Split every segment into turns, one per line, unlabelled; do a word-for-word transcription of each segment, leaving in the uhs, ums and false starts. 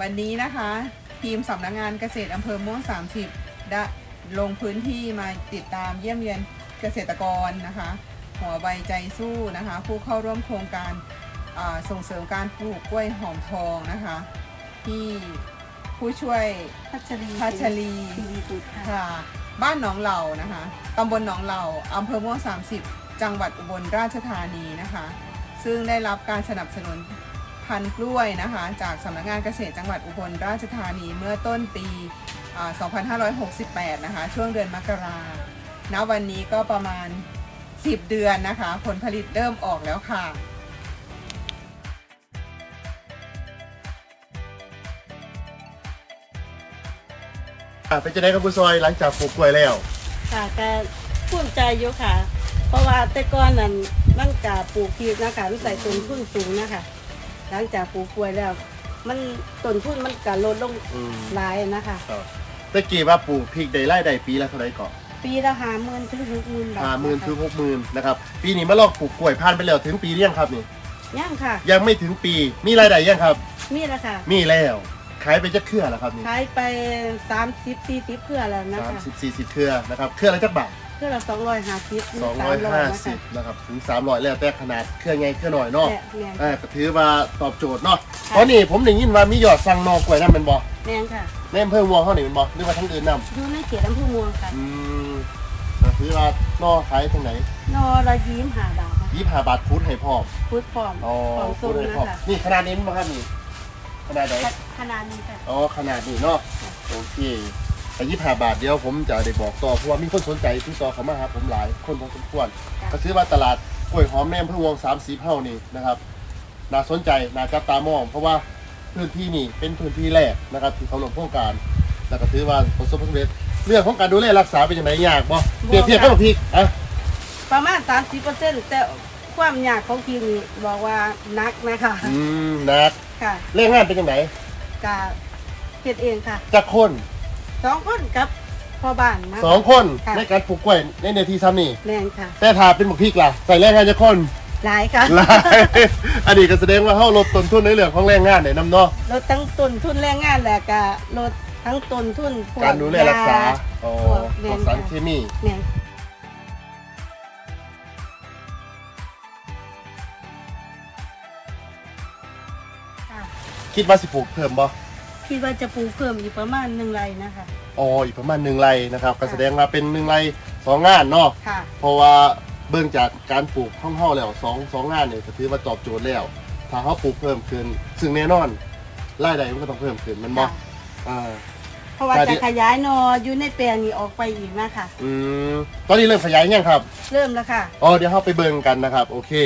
วันนี้นะคะทีมสำนักงานเกษตรอำเภอม่วงสามสิบได้ลงพื้นที่มาติดตามเยี่ยมเยียนเกษตรกรนะคะหัวใบใจสู้นะคะผู้เข้าร่วมโครงการส่งเสริมการปลูกกล้วยหอมทองนะคะที่ผู้ช่วย
พัชรี
พัชรีค่ะบ้านหนองเหล่านะคะตำบลหนองเหล่าอำเภอม่วงสามสิบจังหวัดอุบลราชธานีนะคะซึ่งได้รับการสนับสนุนพันธุ์กล้วยนะคะจากสำนักงานเกษตรจังหวัดอุบลราชธานีเมื่อต้นปีสองพันห้าร้อยหกสิบแปดนะคะช่วงเดือนมกราณวันนี้ก็ประมาณสิบเดือนนะคะผลผลิตเริ่มออกแล้วค่ะ
เป็นจะได้กับผู้ซอยหลังจากปลูกกล้วยแล้ว
ค่ะก็ภูมิใจอยู่ค่ะเพราะว่าแต่ก่อนนั้นมันกะปลูกพริกนะคะมันใส่ต้นทุนสูงนะคะหลังจากปลูกกล้วยแล้วมันต้นทุนมันกะลดลงหลายนะคะ
ตะกี้ว่าปลูกพริกได้ไร่ได้ปีละเท่าไหร่ก่อน
ปีละห้าหมื่นถึงหกหมื่นบาท
ห้าหมื่นถึงหกหมื่นนะครับปีนี้มาลองปลูกกล้วยผ่านไปแล้วถึงปีหรือยังครับนี่
ยังค่ะ
ยังไม่ถึงปีมีรายได้ยังครับ
มีแล้วค่ะ
มีแล้วขายไปจะเครือแล้วครับนี่
ขายไปสามสิบสี่สิบเครือแล้วนะคะ
สามสิบสี่สิบเครือนะครับเครือละจักบาท
เครือละสองร้อยห้าสิบ
สองร้อยห้าสิบนะครับถึงสามร้อยแล้วแต่ขนาดเครือไงเครือหน่อยเนาะอ่าก็ถือว่าตอบโจทย์เนาะเพราะนี่ผมได้ยินว่ามียอดสั่งนอกล้วยนั่นเป็นบ่
แม่นค่ะ
ในอำเภอม่วงเขานี่เป็นบ่หรือว่าทั้งอื่นนำ
อยู่ในเขตอำเภอม่วงค่ะ
อืมถือว่านอขายทางไหน
นอละยี่สิบห้าบาท
ยี่สิบห้าบาทพุทธให้พร้อม
พุทธพร้อม
อ๋อพุทธให้พร้อมนี่ขนาดนี้มั้งครับนี่ขนาดไหน
ขนาดนี้ค่ะ
อ๋อขนาดนี้เนาะโอเคแต่ยี่สิบห้าบาทเดียวผมจะได้บอกต่อเพราะว่ามีคนสนใจที่ต่อเขามาหาผมหลายคนพอสมควรก็ซื้อมาตลาดกล้วยหอมแนมพะวงสามสีเผ่านี่นะครับน่าสนใจน่าจับตามองเพราะว่าพื้นที่นี่เป็นพื้นที่แรกนะครับที่เขาลงโครงการแล้วก็ถือว่าประสบความสำเร็จเรื่องของการดูแลรักษาเป็นยังไงยากบ่เปรียบเทียบกับพริกอ่ะ
ประมาณ สามสิบเปอร์เซ็นต์ แต่ความยากของพริกนี่บอกว่านักนะคะ
อืมนัก
ค่ะ
เรื่องงานเป็นยังไง
กะเฮ็ดเองค่ะ
จักคน
สองคนกับพ่อบ้านนะ
สองคนในการปลูกกล้วยในเนื้อที่ซ้ำนี่
แม่นค่ะ
แต่ถ้าเป็นบักพริกล่ะใส่แรงงานจักคน
หลายค่ะ
หลายอันนี้ก็แสดงว่าเฮาลดต้นทุนในเรื่องของแรงงานได้นำเนาะ
ลดทั้งต้นทุนแรงงานและก็ลดทั้งต้นทุน
การดูแลรักษาอ๋อพวกสารเคมี
แม่น
คิดว่าสิปลูกเพิ่มบ่
คิดว่าจะปลูกเพิ่มอีกประมาณหนึ่งไร่นะคะ
อ๋ออีกประมาณหนึ่งไร่นะครับก็แสดงว่าเป็นหนึ่งไร่สองงานเนาะ
ค่ะ
เพราะว่าเบิ่งจากการปลูกของเฮาแล้วสอง สองงานเนี่ยก็ถือว่าตอบโจทย์แล้วถ้าเฮาปลูกเพิ่มขึ้นซึ่งแน่นอนรายได้มันก็ต้องเพิ่มขึ้นมันบ่อ่า
เพราะว่าจะขยายนออยู่ในแปลงนี้ออกไปอีกนะคะ
อืมตอนนี้เริ่มขยายยังครับ
เริ่มแล้วค่ะ
อ๋อเดี๋ยวเฮาไปเบิ่งกันนะครับโอเค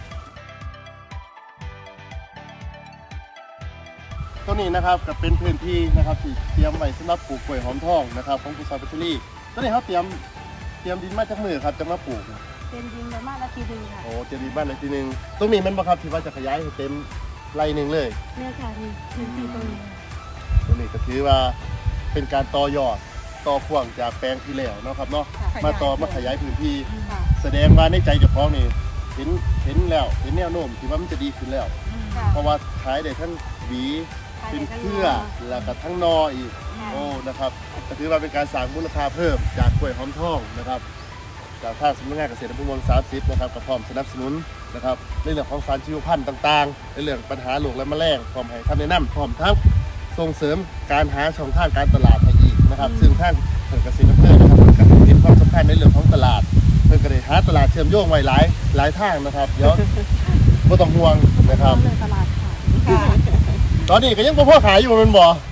ตัวนี้นะครับก็เป็นพื้นที่นะครับที่เตรียมไว้สำหรับปลูกกล้วยหอมทองนะครับของคุณซอยพัชรีตัวนี้เขาเตรียมเตรียมดินมาจากมือครับจะมาปลูก
เป็นดินประมาณละทีนึงค่ะ
โอ้เตรียมดินบ้านเลยทีนึงตรงนี้มันบ่ครับที่ว่าจะขยายให้เต็มไร่หนึ่งเลย
เนี่ยค่ะนี่พื้นที่ตรงนี้
ตรงนี้ก็ถือว่าเป็นการต่อยอดต่อพ่วงจากแปลงที่แล้วเนาะครับเนาะมาต่อมาขยายพื้นที่แสดงว่าในใจเจ้าของนี่เห็นเห็นแล้วเห็นแนวโน้มที่ว่ามันจะดีขึ้นแล้วเพราะว่าขายได้ทั้งหวีเป็นเครือแล้วก็ทั้งนออีกโอ้นะครับก็ถือว่าเป็นการสร้างมูลค่าเพิ่มจากกล้วยหอมทองนะครับจากทางสำนักงานเกษตรอำเภอเมืองสามสิบนะครับก็พร้อมสนับสนุนนะครับในเรื่องของสารชีวพันธุ์ต่างๆในเรื่องปัญหาโรคและแมลงพร้อมให้คำแนะนำพร้อมทั้งส่งเสริมการหาช่องทางการตลาดให้อีกนะครับซึ่งทางเกษตรอำเภอนะครับก็เห็นความสำคัญในเรื่องของตลาดเพื่อก็ได้หาตลาดเชื่อมโยงไว้หลายหลายทางนะครับเดี๋ยวไม่ต้องห่วงนะครับตอนนี้ก็ยังพ่อขายอยู่มันบ่